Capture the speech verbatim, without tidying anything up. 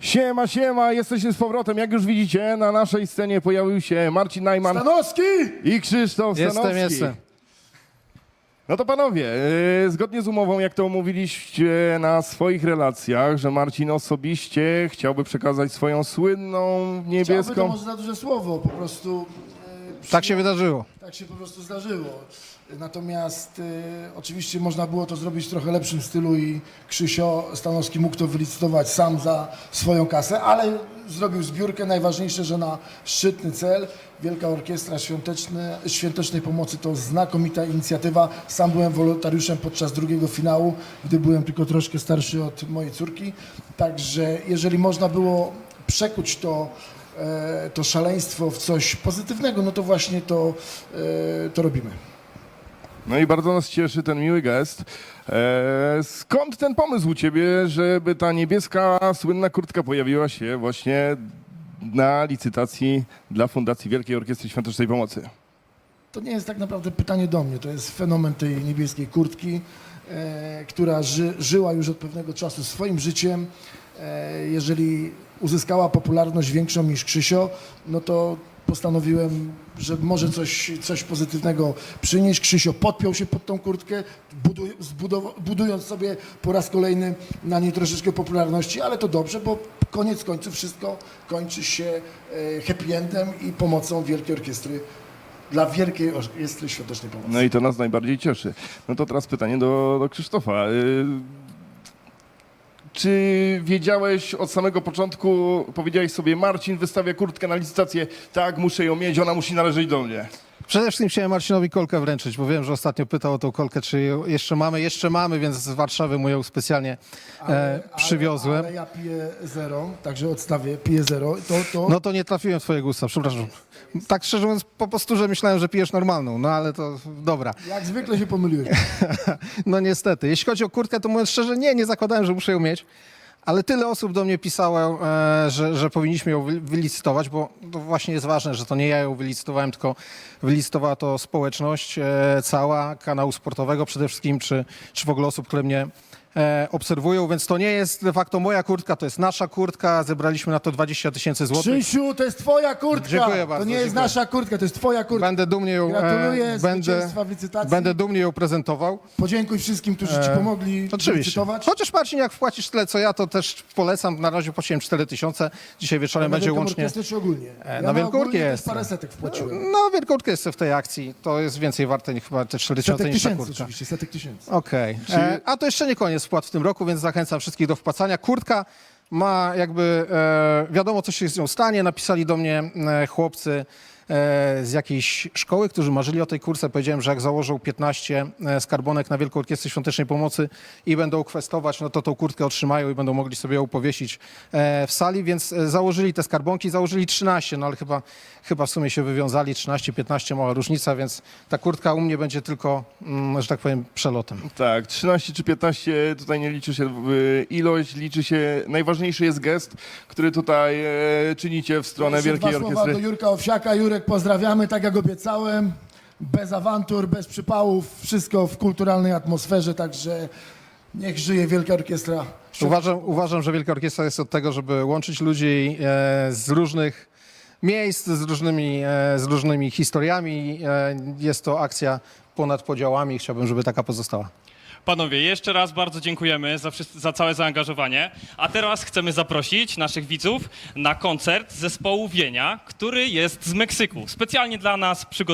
Siema, siema, jesteśmy z powrotem. Jak już widzicie, na naszej scenie pojawił się Marcin Najman Stanowski! i Krzysztof Jestem, Stanowski. jestem. No to panowie, yy, zgodnie z umową, jak to omówiliście na swoich relacjach, że Marcin osobiście chciałby przekazać swoją słynną Chciałby, to niebieską... może za duże słowo, po prostu e, Tak się wydarzyło. tak się po prostu zdarzyło. Natomiast e, oczywiście można było to zrobić w trochę lepszym stylu i Krzysio Stanowski mógł to wylicytować sam za swoją kasę, ale zrobił zbiórkę. Najważniejsze, że na szczytny cel. Wielka Orkiestra Świąteczne, Świątecznej Pomocy to znakomita inicjatywa. Sam byłem wolontariuszem podczas drugiego finału, gdy byłem tylko troszkę starszy od mojej córki. Także jeżeli można było przekuć to e, to szaleństwo w coś pozytywnego, no to właśnie to, e, to robimy. No i bardzo nas cieszy ten miły gest. E, skąd ten pomysł u ciebie, żeby ta niebieska, słynna kurtka pojawiła się właśnie na licytacji dla Fundacji Wielkiej Orkiestry Świątecznej Pomocy? To nie jest tak naprawdę pytanie do mnie, to jest fenomen tej niebieskiej kurtki, e, która ży, żyła już od pewnego czasu swoim życiem. E, jeżeli uzyskała popularność większą niż Krzysio, no to postanowiłem, że może coś, coś pozytywnego przynieść. Krzysio podpiął się pod tą kurtkę, buduj, zbudow- budując sobie po raz kolejny na niej troszeczkę popularności, ale to dobrze, bo koniec końców wszystko kończy się e, happy endem i pomocą Wielkiej Orkiestry dla Wielkiej Orkiestry Świątecznej Pomocy. No i to nas najbardziej cieszy. No to teraz pytanie do, do Krzysztofa. Y, Czy wiedziałeś od samego początku, powiedziałeś sobie, Marcin wystawia kurtkę na licytację, tak, muszę ją mieć, ona musi należeć do mnie. Przede wszystkim chciałem Marcinowi kolkę wręczyć, bo wiem, że ostatnio pytał o tą kolkę, czy ją jeszcze mamy. Jeszcze mamy, więc z Warszawy mu ją specjalnie e, przywiozłem. Ale, ale ja piję zero, także odstawię, piję zero. To, to... No to nie trafiłem w twoje gusta, przepraszam. Tak szczerze mówiąc, po prostu, że myślałem, że pijesz normalną, no ale to dobra. Jak zwykle się pomyliłeś. No niestety. Jeśli chodzi o kurtkę, to mówiąc szczerze, nie, nie zakładałem, że muszę ją mieć. Ale tyle osób do mnie pisało, e, że, że powinniśmy ją wy- wylicytować, bo to właśnie jest ważne, że to nie ja ją wylicytowałem, tylko wylicytowała to społeczność e, cała, kanału sportowego przede wszystkim, czy, czy w ogóle osób, które mnie e, obserwują, więc to nie jest de facto moja kurtka, to jest nasza kurtka, zebraliśmy na to dwadzieścia tysięcy złotych. Krzysiu, to jest twoja kurtka! Dziękuję bardzo, To nie jest dziękuję. nasza kurtka, to jest twoja kurtka. Będę dumnie ją, Gratuluję e, będę, zwycięstwa w licytacji. będę dumnie ją prezentował. Podziękuj wszystkim, którzy ci E, pomogli Oczywiście. licytować. Chociaż Marcin, jak wpłacisz tyle co ja, to też polecam. Na razie płaciłem cztery tysiące. Dzisiaj wieczorem Na będzie Wielką łącznie. Orkiestrę czy ogólnie? E, Ja na Wielką ogólnie też Orkiestrę. parę setek wpłaciłem. No, wielkortka jest w tej akcji. To jest więcej warte niż chyba te cztery tysiące Setek niż ta tysięcy kurtka. oczywiście, setek tysięcy. Okej. Czy- E, A to jeszcze nie koniec wpłat w tym roku, więc zachęcam wszystkich do wpłacania. Kurtka ma jakby, e, wiadomo co się z nią stanie. Napisali do mnie e, chłopcy e, z jakiejś szkoły, którzy marzyli o tej kurce. Powiedziałem, że jak założą piętnaście e, skarbonek na Wielką Orkiestrę Świątecznej Pomocy i będą kwestować, no to tą kurtkę otrzymają i będą mogli sobie ją powiesić e, w sali, więc e, założyli te skarbonki, założyli trzynaście, no ale chyba, chyba w sumie się wywiązali, trzynaście piętnaście, mała różnica, więc ta kurtka u mnie będzie tylko, mm, że tak powiem, przelotem. Tak, trzynaście czy piętnaście, tutaj nie liczy się y, ilość, liczy się, najważniejszy jest gest, który tutaj e, czynicie w stronę Jeszcze Wielkiej dwa słowa Orkiestry. do Jurka Owsiaka. Jurek, pozdrawiamy, tak jak obiecałem. Bez awantur, bez przypałów, wszystko w kulturalnej atmosferze, także niech żyje Wielka Orkiestra. Uważam, uważam, że Wielka Orkiestra jest od tego, żeby łączyć ludzi e, z różnych miejsc, z różnymi, e, z różnymi historiami. E, jest to akcja ponad podziałami i chciałbym, żeby taka pozostała. Panowie, jeszcze raz bardzo dziękujemy za, wszys- za całe zaangażowanie. A teraz chcemy zaprosić naszych widzów na koncert zespołu Wienia, który jest z Meksyku. Specjalnie dla nas przygotowany.